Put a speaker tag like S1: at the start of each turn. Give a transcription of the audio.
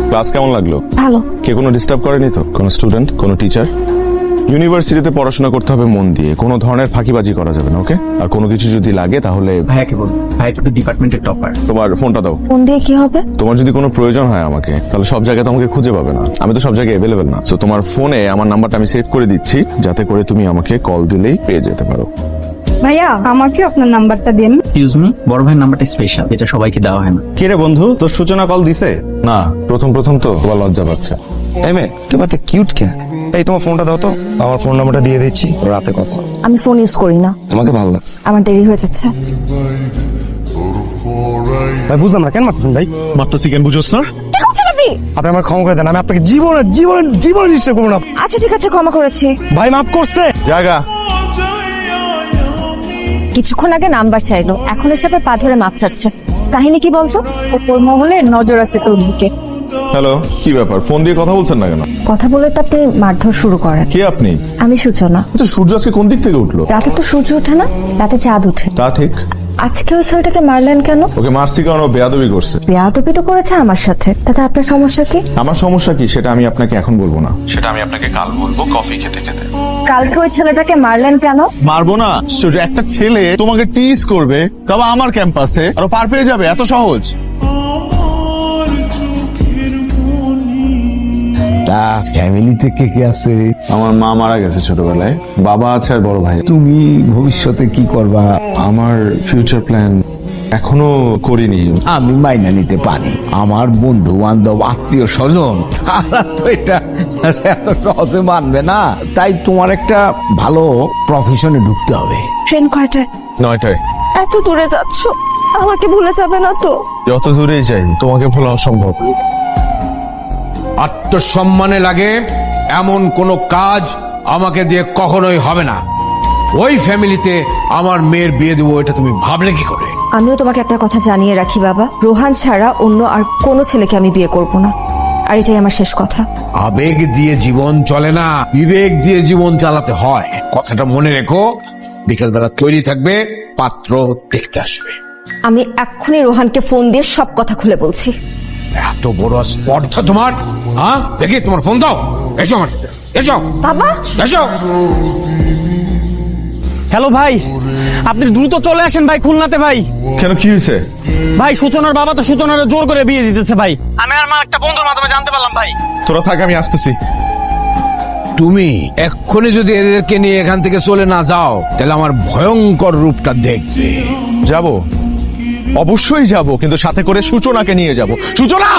S1: Class কেমন লাগলো?
S2: ভালো।
S1: কে কোনো ডিস্টার্ব করেনি তো? কোনো স্টুডেন্ট, কোনো টিচার? ইউনিভার্সিটিতে পড়াশোনা করতে হবে মন দিয়ে, কোনো ধরনের ফাঁকিবাজি করা যাবে না, ওকে? আর কোনো কিছু যদি লাগে তাহলে
S3: ভাইয়াকে বল, ভাইয়া কিন্তু ডিপার্টমেন্টের টপার।
S1: তোমার ফোনটা দাও।
S2: ফোন দিয়ে কি হবে?
S1: তোমার যদি কোনো প্রয়োজন হয় আমাকে, তাহলে সব জায়গায় তো আমাকে খুঁজে পাবে না, আমি তো সব জায়গায় অ্যাভেলেবেল না। তো তোমার ফোনে আমার নাম্বারটা আমি সেভ করে দিচ্ছি, যাতে করে তুমি আমাকে কল দিলেই পেয়ে যেতে পারো।
S4: ভাইয়া আমাকে আপনার নাম্বারটা দিন।
S3: এক্সকিউজ মি, বড় ভাইয়ের নাম্বারটা স্পেশাল, এটা সবাইকে দেওয়া হয় না।
S5: কে রে বন্ধু, তোর সূচনা কল দিছে?
S1: না, প্রথম তো তোমার লজ্জা পাচ্ছে।
S5: এই মেয়ে, তোমার তো কিউট কে? এই তোমার ফোনটা দাও তো, আমার ফোন নাম্বারটা দিয়ে দিচ্ছি, রাতে কথা।
S2: আমি ফোন ইউজ করি না।
S5: তোমাকে ভালো লাগছে?
S2: আমার দেরি হয়ে যাচ্ছে।
S5: ভাই বুঝলাম না, কেন মারতেছেন ভাই?
S1: মারতেছি কেন বুঝোস না?
S5: আপনি আমার ক্ষমা করে দেন, আমি আপনাকে জীবনে নিশ্চয় করবো না।
S2: আচ্ছা ঠিক আছে, ক্ষমা করেছি।
S5: ভাই মাফ করছে।
S1: জায়গা
S2: কিছুক্ষণ আগে নাম্বার চাইলো, এখন এসে পা ধরে মাছ চাচ্ছে। কাহিনী কি বলতো?
S4: ওপর মহলে নজর আছে তোর দিকে।
S1: হ্যালো, কি ব্যাপার? ফোন দিয়ে কথা বলছেন না কেন?
S2: কথা বলে তো আপনি মারধর শুরু করেন।
S1: কে আপনি?
S2: আমি সূচনা।
S1: আচ্ছা, সূর্য আজকে কোন দিক থেকে উঠলো?
S2: রাতে তো সূর্য ওঠে না, রাতে চাঁদ ওঠে।
S1: তা ঠিক।
S2: আজকে ওই ছেলেটাকে মারলেন কেন?
S1: ওকে মারছি কারণ ও বেয়াদবি করছে।
S2: বেয়াদবি তো করেছে আমার সাথে, তাতে আপনার সমস্যা কি?
S1: আমার সমস্যা কি সেটা আমি আপনাকে এখন বলবো না, সেটা আমি আপনাকে কাল বলবো কফি খেতে খেতে।
S2: কালকে ওই ছেলেটাকে মারলেন কেন?
S1: মারবো না? সূর্য, একটা ছেলে তোমাকে টিজ করবে, তবে আমার ক্যাম্পাসে, আর ও পার পেয়ে যাবে, এত সহজ?
S6: তা ফ্যামিলিতে কে কে আছে?
S1: আমার মা মারা গেছে ছোটবেলায়, বাবা আছে আর বড় ভাই।
S6: তুমি ভবিষ্যতে কি করবা?
S1: আমার ফিউচার প্ল্যান এখনো করিনি।
S6: আমি মাইনা নিতে পারি, আমার বন্ধু বান্ধব আত্মীয় স্বজন তারা তো এটা এত সহজে মানবে না। তাই তোমার একটা ভালো প্রফেশনে ঢুকতে হবে।
S2: ট্রেন কয়টায়?
S1: 9টায়।
S2: এত দূরে যাচ্ছ, আমাকে ভুলে যাবে না তো?
S1: যত দূরেই যাই তোমাকে ভোলা অসম্ভব।
S7: আত্মসম্মানে লাগে এমন কোনো কাজ আমাকে দিয়ে কখনোই হবে না। ওই ফ্যামিলিতে আমার মেয়ের বিয়ে দেবো, এটা তুমি ভাবলে কি করে?
S2: আমিও তোমাকে একটা কথা জানিয়ে রাখি বাবা, রোহান ছাড়া অন্য আর কোনো ছেলেকে আমি বিয়ে করব না, আর এটাই আমার শেষ কথা।
S7: আবেগ দিয়ে জীবন চলে না, বিবেক দিয়ে জীবন চালাতে হয়। কথাটা মনে রেখো। বিকেলবেলা তৈরি থাকবে, পাত্র দেখতে আসবে।
S2: আমি এক্ষুনি রোহানকে ফোন দিয়ে সব কথা খুলে বলছি।
S7: এত বড় স্পর্ধা তোমার? হ্যাঁ, দেখি তোমার ফোন দাও। এসো আমার সাথে, এসো
S2: বাবা,
S7: এসো।
S3: হ্যালো ভাই, আপনি দ্রুত চলে আসেন ভাই, খুলনাতে ভাই।
S1: কেন, কি হয়েছে?
S3: ভাই সূচনার বাবা তো সূচনার জোর করে বিয়ে দিতেছে ভাই। আমি আর মা একটা বন্ধুর মাধ্যমে জানতে পারলাম ভাই।
S1: তোরা থাক, আমি আসতেছি।
S7: তুমি এক্ষুনি যদি এদেরকে নিয়ে এখান থেকে চলে না যাও, তাহলে আমার ভয়ঙ্কর রূপটা দেখবে।
S1: যাব, অবশ্যই যাব, কিন্তু সাথে করে সূচনাকে নিয়ে যাব। সূচনা!